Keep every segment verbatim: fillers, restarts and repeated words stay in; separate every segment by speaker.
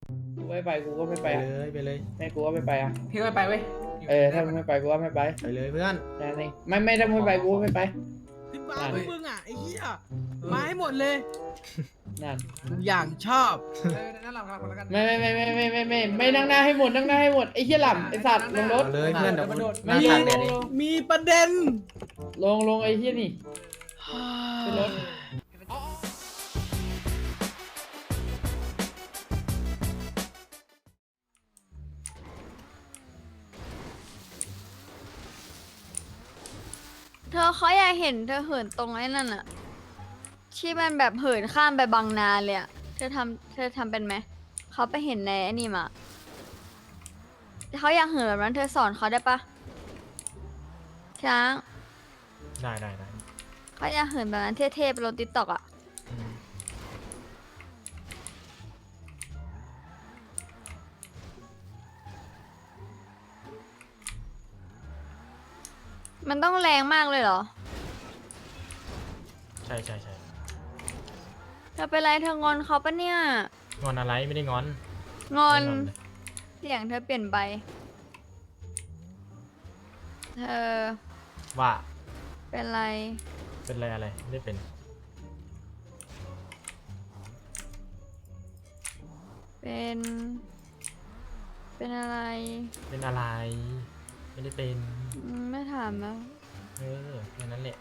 Speaker 1: กูไม่ไปกูก็ไม่
Speaker 2: ไป
Speaker 1: ไป
Speaker 2: เลยไปเลย
Speaker 1: ไม่กูก็ไม่ไปอ่ะ
Speaker 3: พี่ไม่ไปเว้ย
Speaker 1: เออถ้ามึงไม่ไปกูก็ไม่ไป
Speaker 2: ไปเลยเพื่อน
Speaker 1: แค่นี้ไม่ไม่ถ้ามึงไม่ไปกูก็ไม่ไป
Speaker 4: ขึ้นบ้าพวกมึงอ่ะไอ้เหี้ยมาให้หมดเลย
Speaker 1: นั่น
Speaker 4: อย่างชอบ
Speaker 3: เออนั่นเราคนละกัน
Speaker 1: ไม่ไม่ไม่ไม่ไม่ไม่ไม่ไม่นั่งหน้าให้หมดนั่งหน้าให้หมดไอ้เหี้ยหล่ำไอ้สัตว์ลงรถ
Speaker 2: เอาเลยเพื่อนเดี๋ยวกูห
Speaker 1: ไม่
Speaker 2: น้า
Speaker 1: ล
Speaker 2: ตาก
Speaker 1: ล
Speaker 2: แดด
Speaker 1: ง
Speaker 2: ดิ
Speaker 1: ลง
Speaker 4: มีประเด็น
Speaker 1: ลงลงไอ้เหี้ยนี่ขึ้นรถ
Speaker 5: เธอเขาอยากเห็นเธอเหินตรงไอ้นั่นอะที่มันแบบเหินข้ามไปบางนาเลยอะเธอทำเธอทำเป็นไหมเขาไปเห็นในไอ้นี่มาเขาอยากเหินแบบนั้นเธอสอนเขาได้ปะช้าง
Speaker 2: ได้ได้ได้
Speaker 5: เขาอยากเหินแบบนั้นเท่ๆไปลงติ๊กต็อกอะ
Speaker 2: อืม
Speaker 5: มันต้องแรงมากเลยเหรอ
Speaker 2: ใช่ใช่ใช่
Speaker 5: เธอเป็นไรเธองอนเขาปะเนี่ย
Speaker 2: งอนอะไรไม่ได้งอน
Speaker 5: งอน
Speaker 2: ไม่เลย
Speaker 5: เสียงเธอเปลี่ยนไปเธอ
Speaker 2: ว่า
Speaker 5: เป็นไร
Speaker 2: เป็นอะไรอะไรไม่ได้เป็น
Speaker 5: เป็น เป็นอะไร
Speaker 2: เป็นอะไร ไม่ได้เป็น
Speaker 5: อืมไม่ถามแล้ว
Speaker 2: เออแค่นั้นแหละ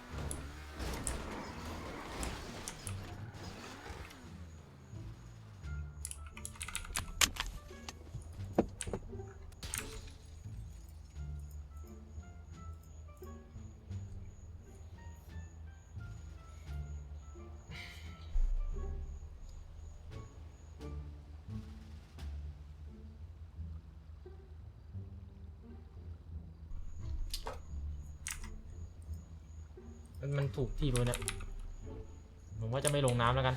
Speaker 2: มันมันถูกที่เลยเนี่ยผมว่าจะไม่ลงน้ำแล้วกัน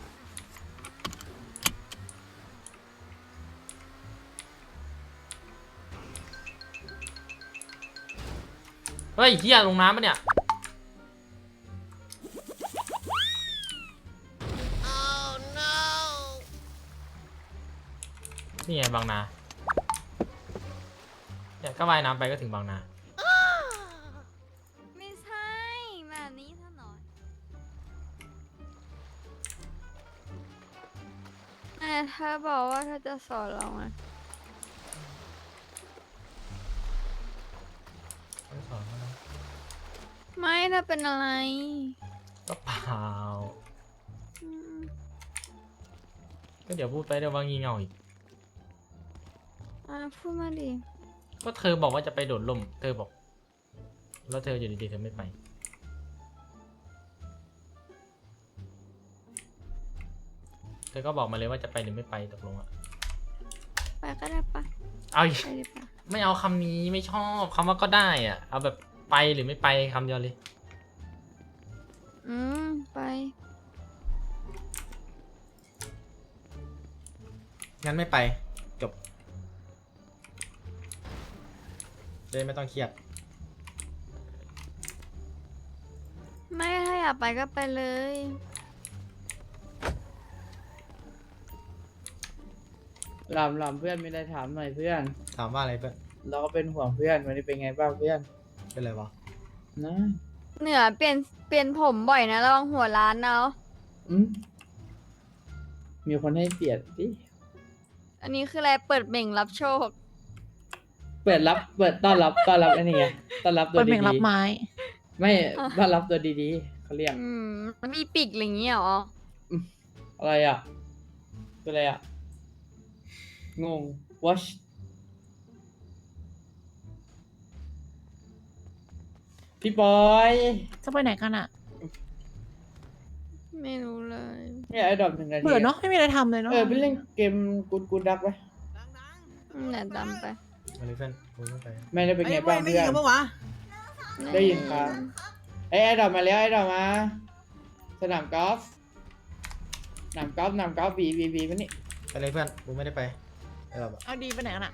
Speaker 2: เฮ้ยเฮียลงน้ำปะเนี่ยนี่ไงบางนาเนี่ยก็ว่ายน้ำไปก็ถึงบางนา
Speaker 5: ไม่ใช่แบบนี้ซะหน่อยแต่เธอบอกว่าเธอจะสอนเราไง
Speaker 2: ไม่สอนแล้วนะ
Speaker 5: ไม่เธอเป็นอะไร
Speaker 2: ก็เปล่า
Speaker 5: อืม
Speaker 2: ก็เดี๋ยวพูดไปเดี๋ยวว่างีเง่าอีก
Speaker 5: อ่ะพูดมาดิ
Speaker 2: ก็เธอบอกว่าจะไปโดดร่มเธอบอก แล้วเธออยู่ดีๆเธอไม่ไป เธอก็บอกมาเลยว่าจะไปหรือไม่ไปตกลงอะ
Speaker 5: ไปก็ได้ปะ
Speaker 2: เอาอีก
Speaker 5: ไปดิปะ
Speaker 2: ไม่เอาคำนี้ไม่ชอบคำว่าก็ได้อ่ะ เอาแบบไปหรือไม่ไปคำเดียวเลย
Speaker 5: อืมไป
Speaker 2: งั้นไม่ไป จบเลยไม่ต้องเครียด
Speaker 5: ไม่ถ้าอยากไปก็ไปเลย
Speaker 1: หล่ำหล่ำเพื่อนมีอะไรถามหน่อยเพื่อน
Speaker 2: ถามว่าอะไรเพื่อน
Speaker 1: เราก็เป็นห่วงเพื่อนวันนี้เป็นไงบ้างเพื่อน
Speaker 2: เป็นอะไรวะ
Speaker 1: นะ
Speaker 5: เหนือเปลี่ยนเปลี่ยนผมบ่อยนะระวังหัวร้านเนาะ
Speaker 1: อืมมีคนให้เปลี่ยนดิ
Speaker 5: อันนี้คืออะไรเปิดเบ่งรับโชค
Speaker 1: เปิดรับเปิดต้อนรับต้อนรับไอ้นี่ไงต้อนรับตัว
Speaker 6: เปิดเพลง
Speaker 1: ดี
Speaker 6: รับไม้
Speaker 1: ๆไม่ต้อนรับตัวดีๆเขาเรียก
Speaker 5: อืมมันมีปีกอะไรอย่างเงี้ยเหรอ
Speaker 1: อะไรอ่ะเป็นอะไรอ่ะงง watch พี่ปอย
Speaker 6: จะไปไหนกันอะ
Speaker 5: ไม่รู้เลย
Speaker 1: เนี่ยไอ้ดอกหนึ่งนาที
Speaker 6: เบื่อเนาะไม่มีอะไรทำเลยเนาะ
Speaker 1: เออไปเล่นเกมกูดกูดักไหม
Speaker 5: อืมเนี่ยดำไป
Speaker 2: มาเลยเพื่อนคุยไม่ไป
Speaker 1: ไม่ได้เป็นไง
Speaker 4: ไอ้
Speaker 1: บ้าง
Speaker 4: ไม่
Speaker 1: เพื่
Speaker 4: ยิ
Speaker 1: อง น
Speaker 4: กันปะวะ
Speaker 1: ได้ยินครับไอ้ไอ้ดอกมาแล้วไอ้ดอกมาสนามกอล์ฟสนามกอล์ฟสนามกอล์ฟบีบีบีมานี่
Speaker 2: ไปเลยเพื่อนกูไม่ได้ไปไอ้เราแบบ
Speaker 6: เอาดีไปไหนกันอะ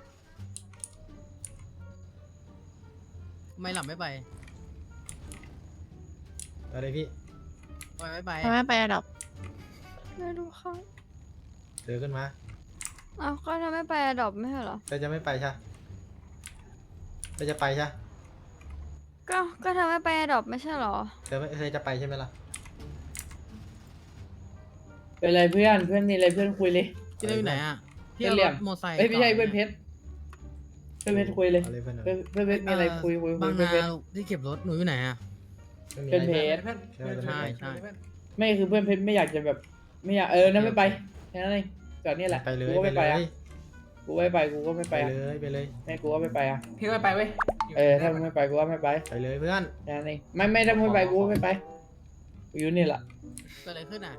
Speaker 4: ทำไมหลับไม่ไป
Speaker 2: ไปเลยพี่
Speaker 4: ทำไมไม่ไป
Speaker 6: ทำไมไม่ไปอะดอก
Speaker 5: ไม่รู้เขา
Speaker 2: เดินขึ้นมา
Speaker 5: อ้าวก็ทำไม่ไปอดอบไม่ใช่เหรอ
Speaker 2: เธอจะไม่ไปใช่เธอจะไปใช่
Speaker 5: ก็ก็ทำไม่ไปอดอบไม่ใช่เหรอ
Speaker 2: เธอไม่เธอจะไปใช่ไหมล่ะ
Speaker 1: เป็นไรเพื่อนเพื่อนมีอะไรเพื่อนคุยเลย
Speaker 4: พี่เล่นอยู่ไหนอ่ะพี่
Speaker 1: เพื่อน
Speaker 4: เอา
Speaker 1: เหลี่
Speaker 4: ร
Speaker 1: ยม
Speaker 4: ถมอไซค์
Speaker 1: เอ้ยไม่ใช่
Speaker 4: ก่
Speaker 1: เพื่อนเพชรเพื่อนเพชรคุยเลย
Speaker 2: เอาเลยเพื่อนเอา
Speaker 1: เพื่อนเพื่อนเพชรมีอะไรคุยคุยคุ
Speaker 4: บาย ง
Speaker 1: เพื่อน
Speaker 4: นา
Speaker 1: เพชร
Speaker 4: ที่เก็บรถหนูอยู่ไหนอ่ะ
Speaker 2: ไม่มี
Speaker 1: เพื่อน
Speaker 2: อะไร
Speaker 1: เพ
Speaker 2: เพื่อน
Speaker 1: ชร
Speaker 2: เพื่อน
Speaker 4: ใช่ใช่
Speaker 1: ไม่คือเพื่อนเพชรไม่อยากจะแบบไม่อยากเออนั่นไม่ไปแค่นั้นเองจอดนี่แหละ
Speaker 2: ไปเลย
Speaker 1: กูก็
Speaker 2: ไป
Speaker 1: ไม่
Speaker 2: เล
Speaker 1: ไป
Speaker 2: ย
Speaker 1: อ่ะกูไม่ไปกูก็ไม่
Speaker 2: ไป
Speaker 1: ไปอ่ะ
Speaker 2: เลยไปเลย
Speaker 1: แม่กูก็ไม่ไปอ่ะ
Speaker 3: พี่ไม่ไปเว้ย
Speaker 1: เออถ้ามึงไม่ไปกูก็ไม่ไป
Speaker 2: ไปเลยเพื่อน
Speaker 1: แค่นั้นเองไม่ไม่ถ้ามึงไม่ไปกูก็ไม่ไปกูอยู่นี่แหละ
Speaker 4: เกิดอะไรขึ้นอ่ะ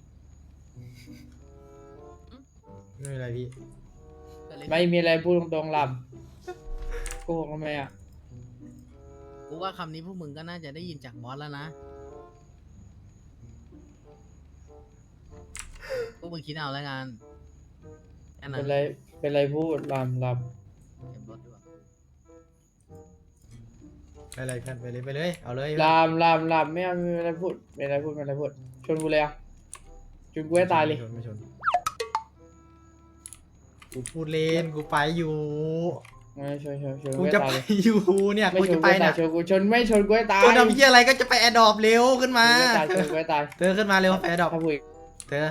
Speaker 2: ไม่เป็นไรพี่
Speaker 4: เกิดอะไรขึ้น
Speaker 1: ไม่มีอะไรพูดตรงๆลำโกหกทำไมอ่ะ
Speaker 4: กูว่าคำนี้พวกมึงก็น่าจะได้ยินจากบอสแล้วนะพวกมึงคิดเอาแล้วกันแค่นั้
Speaker 1: เป็น นไรเป็นไรพูดลำล
Speaker 4: เก็บรถดีกว่า
Speaker 2: ไปเลยเพื่อนไปเลยไปเลยเอาเลย
Speaker 1: ำลำลำลำไม่เอาไม่เป็นไรพูดไม่เป็นไรพูดไม่เป็นไรพูดชนกูเลยอ่ะชนกูให้ตายเลย
Speaker 2: ไม่ชนไม่ชนกูพูดเล่นกูไปอยู่
Speaker 1: ไม่ชนชนชน
Speaker 2: กู
Speaker 1: ให้
Speaker 2: จะ
Speaker 1: ตาย
Speaker 2: ไป
Speaker 1: เลย
Speaker 2: อยู่เนี่ย
Speaker 1: ไม่
Speaker 2: กู
Speaker 1: ช
Speaker 2: จะ
Speaker 1: น
Speaker 2: ไป
Speaker 1: กูให้ตา
Speaker 2: เนี่ย ย
Speaker 1: ชนกูชนไม่ชนกูให้ตาย
Speaker 2: กูทำเพี้ยอะไรก็จะไปแอร์ดรอปเร็วขึ้นมา
Speaker 1: ชนกูให้ตายชนกูให้ตาย
Speaker 2: เธอขึ้นมาเร็วไปแอร์ดรอป
Speaker 1: ถ้าพูด
Speaker 2: เธอ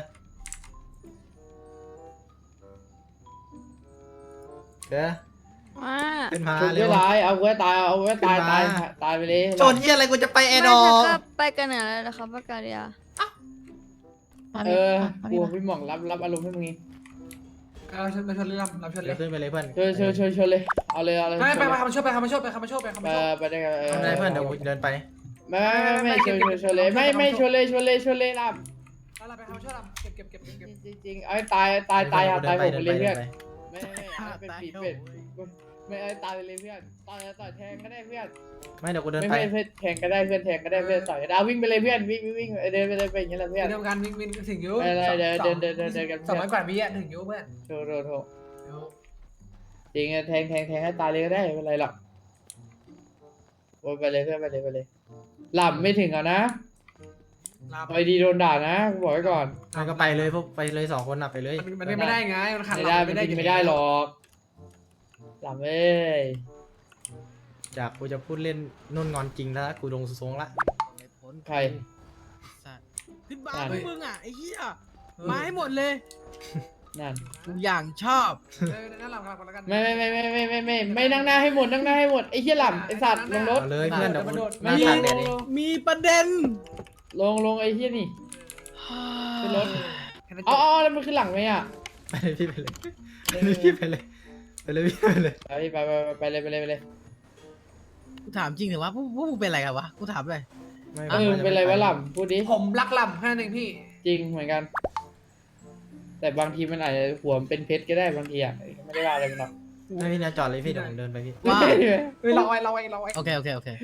Speaker 2: เธอ
Speaker 5: มา
Speaker 2: ขึ้นมา
Speaker 1: ชนกู
Speaker 2: เร็ว
Speaker 1: ให้ตายเอากูให้ตายเอากูให้ตาย
Speaker 2: ขึ้นมา
Speaker 1: ตายตายไปเลย
Speaker 2: ชนเพี้ยอะไรกูจะไปแอ
Speaker 5: ไม่
Speaker 2: ร์ด
Speaker 5: เธ
Speaker 2: รอ
Speaker 5: อ
Speaker 2: ป
Speaker 5: ก็ไปกันเหนือเลยนะครับปากกาเดีย
Speaker 6: มา
Speaker 1: เอ
Speaker 6: พี่
Speaker 1: อ
Speaker 6: มา
Speaker 1: กู
Speaker 6: พี่มา
Speaker 1: พี่หม่องรับรับอารมณ์ให้มึงเอง
Speaker 3: เราชนเราชนเรือเราชนเล
Speaker 2: เดี๋ย
Speaker 3: ยว
Speaker 2: ขึ้นไปเลยเพื่อน
Speaker 1: ชนชนชนชนเลยเอาเลยเอาเลย
Speaker 3: ไม่ไป
Speaker 1: ชน
Speaker 3: ไป
Speaker 1: เลย
Speaker 3: คำมาช่วยไปคำมาช่วยไปคำมาช่วยไปคำมา
Speaker 1: เอ
Speaker 3: ช่วย
Speaker 1: อไปได้กันเออ
Speaker 2: ไม่เป็นไรเพื่อนเดี๋ยวกูเดินไป
Speaker 1: ไม่ไม่ไม่ไม่ชนชนชนเลยไม่ไม่ชนเลยชนเลยชนเลยรับ
Speaker 3: อะไรไปคำมาช่วยเราเก็บเก็บเก็บเก็บ
Speaker 1: จริงจริงๆเอาให้ตายตายตายหาตายผมไปเลยเพื่อน
Speaker 2: ดินไป
Speaker 1: ไม่ไม่เอาเป็นปีเป็ดไม่เอาตายไปเลยเพื่อนต่อยต่อยแทงก็ได้เพื่อน
Speaker 2: ไม่เดี๋ยวกูเดิน
Speaker 1: ไม่
Speaker 2: ไป
Speaker 1: ไม่เพื่อนแทงก็ได้เพื่อนแทงก็ได้เพื่อนต่อยเอาวิ่งไปเลยเพื่อนวิ่งวิ่งวิ่งเดินไปเลยไปอย่างนี้แหละเพื่อน
Speaker 3: เดียวกันวิ่งวิ่งถึงยู
Speaker 1: เออเดินเดินเดินเดินเดินกัน
Speaker 3: สองร้อยกว่าวิอ่ะถึงยูเพื่อน
Speaker 1: โถโถโถจริงอะแทงแทงแทงให้ตายเลยก็ได้ไม่เป็นไรหรอกโอ้ยไปเลยเพื่อนไปเลยไปเลยหลับไม่ถึงอ่ะนะ
Speaker 3: ลา
Speaker 1: ไปดีโดนด่านะกูบอกไว้ก่อน
Speaker 2: มันก็ไปเลยพวกไปเลยสองคนน่ะไปเลย
Speaker 3: มันไม่ได้ไงมันขาด
Speaker 1: ไม่ได้มันกินไม่ได้หรอกหลับเอ้ย
Speaker 2: จากกูจะพูดเล่นนุ่นงอนจริงแล้วกูลงทรงละ
Speaker 4: ไม่พ้น
Speaker 1: ใคร
Speaker 4: สัตว์ขึ้นบ้า
Speaker 1: อ่ะ
Speaker 4: พวกมึงอ่ะไอ้เหี้ยมาให้หมดเลย
Speaker 1: นั่น
Speaker 4: กูอย่างชอบ
Speaker 3: เออนั่นหลับกันแล้วกัน
Speaker 1: ไม่ไม่ไม่ไม่ไม่ไม่ไม่ไม่นั่งหน้าให้หมดนั่งหน้าให้หมดไอ้เหี้ยหล่ำไอ้สัตว์ลงรถ
Speaker 2: เอาเลยเพื่อนเดี๋ยวกู
Speaker 1: ไม่
Speaker 2: นั่ง
Speaker 1: ล
Speaker 2: ตาก
Speaker 1: ง
Speaker 2: แด
Speaker 1: ล
Speaker 2: ด
Speaker 1: ง
Speaker 2: เอง
Speaker 4: มีประเด็น
Speaker 1: ลงลงไอ้เหี้ยนี่ ขึ้นรถ
Speaker 3: แค่นั้นจ
Speaker 1: อ๋อบ อ๋อแล้วมันขึ้นหลังไหมอ่ะ
Speaker 2: ไปเลยพี่ไปเลยไปเลยพี่ไปเลยไปเลยพี่ไปเลย
Speaker 1: ไปไปไปไปเลยไปเลยไปเลย
Speaker 4: กูถามจริงเหรอวะพวกพวกมึงเป็นอะไรกันวะกูถามเลย
Speaker 2: ไม่
Speaker 1: เออเป็นไรวะหล่ำพูดดิ
Speaker 3: ผมรักลำแค่นั้นเองพี่
Speaker 1: จริงเหมือนกัน แต่บางทีมันอาจจะหัวมันเป็นเพชรก็ได้บางทีอ่ะไม่ได้ว่าอะไรมันหรอก
Speaker 2: ไม่พี่นะจอดเลยพี่เดี๋ยวผมเดินไปพี่
Speaker 4: ว่า
Speaker 3: เฮ้ยเราไว้เราไว้เราไว้
Speaker 4: โอเคโอเคโอเค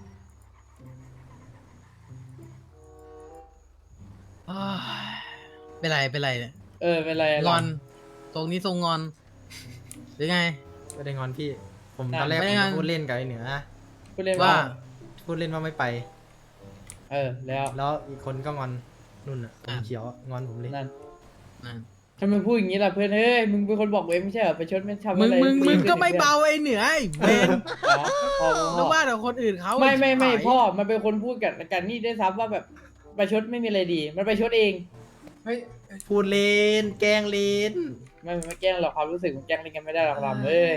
Speaker 4: อ้าวเป็นไรเป็นไรเนี่ย
Speaker 1: เออเป็นไรอะ
Speaker 4: งอนตรงนี้ทรงงอนหรือไง
Speaker 2: ไม่ได้งอนพี่ ผมตอนแรก
Speaker 4: ไม่
Speaker 2: ผ
Speaker 4: ได้
Speaker 2: ม
Speaker 4: งอน
Speaker 2: จะพูดเล่นกับไอ้เหนือ
Speaker 1: พูดเล่น
Speaker 4: ว่า
Speaker 1: ว่า
Speaker 2: พูดเล่นว่าไม่ไป
Speaker 1: เออแล้ว
Speaker 2: แล้วอีกคนก็งอนนุ่นอ่ะผมเขียวอะงอนผมเลย
Speaker 1: นั่น
Speaker 4: นั่น
Speaker 1: ทำไมพูดอย่างนี้ล่ะเพื่อนเฮ้ยมึงเป็นคนบอกเองไม่ใช่เหรอไปชดไม่ทำ
Speaker 4: มึ
Speaker 1: อะ
Speaker 4: ง
Speaker 1: ไร
Speaker 4: มึงมึงก็ไม่
Speaker 1: พื่อน
Speaker 4: เบาไอ้เหนือไอ้เวน
Speaker 1: อ๋อพ่อพ่
Speaker 4: นึ
Speaker 1: อก
Speaker 4: ว่าแต่คนอื่นเขา
Speaker 1: ไม่ไม่ไม่
Speaker 4: ชิบหาย
Speaker 1: พ่อมันเป็นคนพูดกันกันนี่ด้วยซ้ำว่าแบบไปชดไม่มีอะไรดี มันไปชดเอง
Speaker 3: เฮ้ย
Speaker 2: พูดเล่นแกล้งเล่น
Speaker 1: ไม่ไม่แกล้งหรอกความรู้สึกมันแกล้งเล่นกันไม่ได้หรอกลำเอ้ย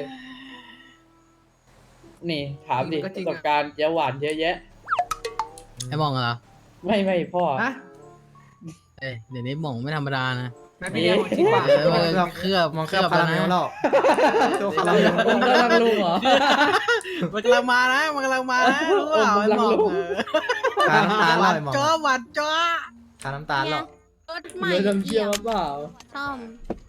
Speaker 1: นี่ถามดิประสบการณ์เจ้าหวานเยอะแยะ
Speaker 4: ไอ้หมองเหรอ
Speaker 1: ไม่ไม่พ่อ
Speaker 3: ฮะ
Speaker 4: เอ้ยเดี๋ยวนี้หมองไม่ธรรมดานะ
Speaker 3: แม่พี่เลี้ยงจริงป่ะ
Speaker 4: เออมันเคลือบ
Speaker 2: มองเคลือบคาราเมล
Speaker 4: นะ
Speaker 2: แล้วตัวคาราเมล
Speaker 1: มึงกำลังลุงเหรอ
Speaker 4: มันกำลังมานะมันกำลังมานะรู้เปล่า
Speaker 1: เออ
Speaker 4: ไอ้หมอง
Speaker 1: กำลังรู้
Speaker 4: เออ
Speaker 2: ทาน้ำตาล
Speaker 4: ห
Speaker 2: แล้
Speaker 4: วา
Speaker 2: วน ไอ้หมอง
Speaker 4: จ้อหวานจ้อ
Speaker 2: ทาน้ำตาลแล้ว
Speaker 5: รถใหม่
Speaker 1: เดี๋ยวทำเชี่ยวเปล่า
Speaker 5: ซ่อม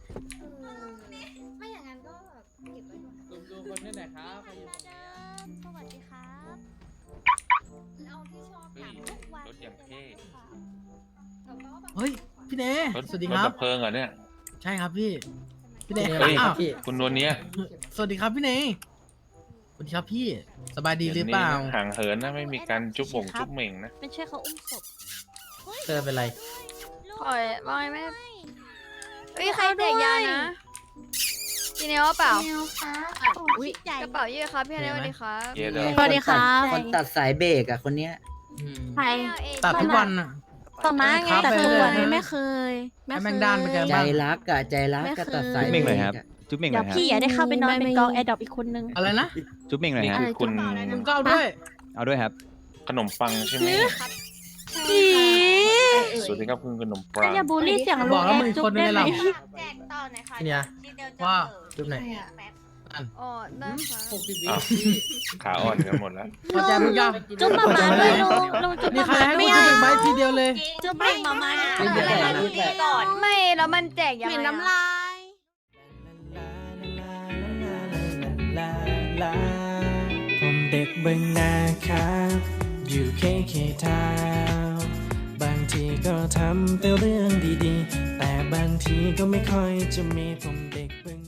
Speaker 7: ไม่อย่างนั้นก็แบบเก็บไว้ก่อน
Speaker 1: ดูดูคนนี้หน่อยครับใครอยู่ตรงนี้อะ
Speaker 7: สวัสดีครับเอาที่ชอบถามทุกวัน
Speaker 8: รถอย่างเท่
Speaker 7: แล้วก็แบบ
Speaker 4: เฮ้ยพี่เน
Speaker 8: รถ
Speaker 4: สวัสดี
Speaker 8: ร
Speaker 4: ค
Speaker 8: ถ
Speaker 4: รับ
Speaker 8: ดับเพลิงเหรอเนี่ย
Speaker 4: ใช่ครับพี่พี่เน
Speaker 2: เฮ้ย
Speaker 4: อ้าว
Speaker 2: พี่
Speaker 8: คุณนวลเนี้ย
Speaker 4: สวัสดีครับพี่เนสวัสดีครับพี่สบายดีหรือเปล่า
Speaker 8: ดี๋ยวนี้นะห่างเหินนะไม่มีการจุ๊บบ่งจุ๊บเหม่งนะ
Speaker 7: ไม่ใช่เขาอุ้มศพ
Speaker 2: เธอเป็นไร
Speaker 5: ปล่อยปล่อยไม่เฮ้ยใครแจกยานะพี่เนวว่าเปล่า
Speaker 7: แนวฟ้า
Speaker 5: อุ้ยกระเป๋าเยอะครับพี่เนวสวัสดีครับ
Speaker 8: เยอะเลย
Speaker 6: สวัสดีครับ
Speaker 9: คนตัดสายเบรกอะคนเนี้ย
Speaker 4: อืม
Speaker 6: ใคร
Speaker 4: ตัดทุกวันอ่ะ
Speaker 6: ต่อมาไง
Speaker 4: ครับ
Speaker 6: แต่
Speaker 4: ไป
Speaker 6: ทุก
Speaker 4: เรื่อย
Speaker 6: วัน
Speaker 4: ๆนะ
Speaker 6: ไม่เคย ไม่
Speaker 4: ให้
Speaker 6: เค
Speaker 4: แม่
Speaker 6: ย
Speaker 4: งด้านไปแก
Speaker 9: ใจ
Speaker 4: บ้าง
Speaker 9: รักอะใจรัก
Speaker 6: ไม่
Speaker 9: ก็
Speaker 6: เคย
Speaker 9: ตัดสาย
Speaker 10: จุ๊บเม่งหน่อยครับ
Speaker 9: บรกอะ
Speaker 10: จุ๊บเม่งห
Speaker 6: เดี๋
Speaker 10: น่
Speaker 6: ย
Speaker 10: อ
Speaker 6: วย
Speaker 10: ครับ
Speaker 6: พี่อย่าได้เข้าไปนอนเป็นกองแอดดอปอีกคนนึง
Speaker 4: อะไรนะ
Speaker 10: จุ๊บเม่งหน่อย
Speaker 8: นี่
Speaker 10: ฮะ
Speaker 8: คือคุณ
Speaker 4: มึงก็เอาด้วย
Speaker 10: เอาด้วยครับ
Speaker 8: ขนมปังใช่ไหม
Speaker 6: ผี
Speaker 8: สวัสดีครับคุณขนมปัง
Speaker 6: อย่าบูลลี่เสียง
Speaker 4: บ
Speaker 6: ลุ
Speaker 4: อง ก
Speaker 6: แอ
Speaker 4: แล้ว
Speaker 6: ด
Speaker 4: มึง
Speaker 6: จุ๊
Speaker 4: ค
Speaker 6: บ
Speaker 4: น
Speaker 6: ได้
Speaker 4: ใน
Speaker 6: ไหม
Speaker 4: เรา
Speaker 7: แจกต่อหน่อยค่ะ
Speaker 4: เนี่ย
Speaker 7: ทีเดียวจะ
Speaker 4: ว่า
Speaker 7: เปิด
Speaker 4: จุ๊บไหน
Speaker 7: แป๊บ
Speaker 5: อ๋อได้ค่ะ
Speaker 1: หกสิบวิ
Speaker 8: อ้าวขาอ่อนกันหมดแล้ว
Speaker 4: พอใจมึงยัง
Speaker 6: จุ๊บมามาด้วยลุงลุงจุ๊บ
Speaker 4: มี
Speaker 6: มา
Speaker 4: ใคร
Speaker 6: มา
Speaker 4: ให้
Speaker 6: ไม่
Speaker 4: กู
Speaker 6: เอา
Speaker 4: จุ๊บไหมทีเดียวเลย
Speaker 6: จุ๊บเบ่งมามา
Speaker 9: ไม่เป็นไรนะ
Speaker 7: ก่อน
Speaker 5: ไม่แล้วมันแจกยัง
Speaker 6: เหม็น
Speaker 5: ไง
Speaker 6: น้ำ
Speaker 5: อะ
Speaker 6: ลาย
Speaker 11: ผมเด็กเบึงนาครับ อยู่เคเคทาวน์บางทีก็ทำแต่เรื่องดีๆ แต่บางทีก็ไม่ค่อยจะมีผมเด็กเบึง